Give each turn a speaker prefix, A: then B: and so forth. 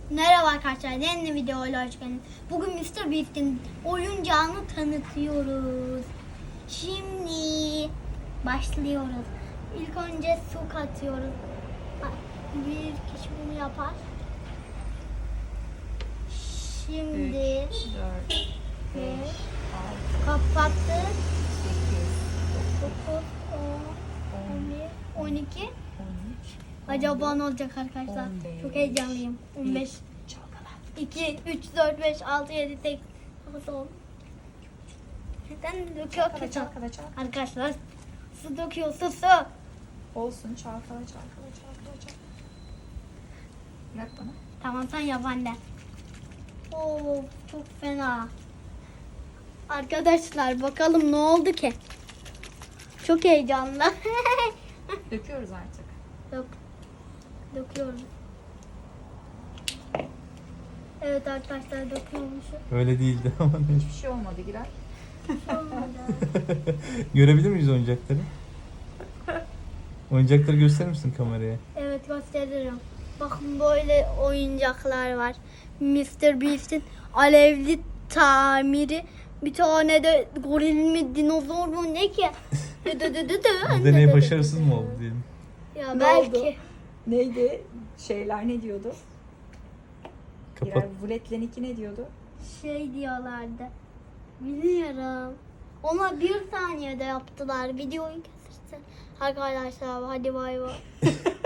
A: Merhaba arkadaşlar, yeni videoyla hoş geldiniz. Bugün Mr. Beast'in oyuncağını tanıtıyoruz. Şimdi başlıyoruz. İlk önce su katıyoruz. Bir kişi bunu yapar. Şimdi
B: 3, 4, 5, 6,
A: kapattık.
B: 8,
A: 9, 10, 11, 12.
B: 13,
A: Acaba ne olacak arkadaşlar?
B: 15,
A: Çok heyecanlıyım. 15,
B: çalkala.
A: 2, 3, 4, 5, 6, 7, 8, 9, 10. Neden döküyor ki?
B: Çalkala.
A: Arkadaşlar su döküyor, su.
B: Olsun, çalkala. Bırak bana.
A: Tamam sen yap anne. Oo, çok fena. Arkadaşlar bakalım ne oldu ki? Çok heyecanlı.
B: Döküyoruz artık.
A: Döküyorum. Evet arkadaşlar döküyormuşum.
C: Öyle değildi ama neyse.
B: Hiçbir şey olmadı Giray.
C: Görebilir miyiz oyuncakları? Oyuncakları gösterir misin kameraya?
A: Evet gösteririm. Bakın böyle oyuncaklar var. Mr. Beast'in alevli tamiri. Bir tane de goril mi dinozor mu ne ki?
C: Bu deney başarısız mı oldu diyelim?
A: Ya
B: Ne
A: belki.
B: oldu? Neydi? Şeyler ne diyordu?
C: Kapat.
B: Giray Vulet'leniki ne diyordu?
A: Şey diyorlardı. Bilmiyorum. Ona bir saniyede yaptılar. Videoyu kesersen. Arkadaşlar hadi bay bay.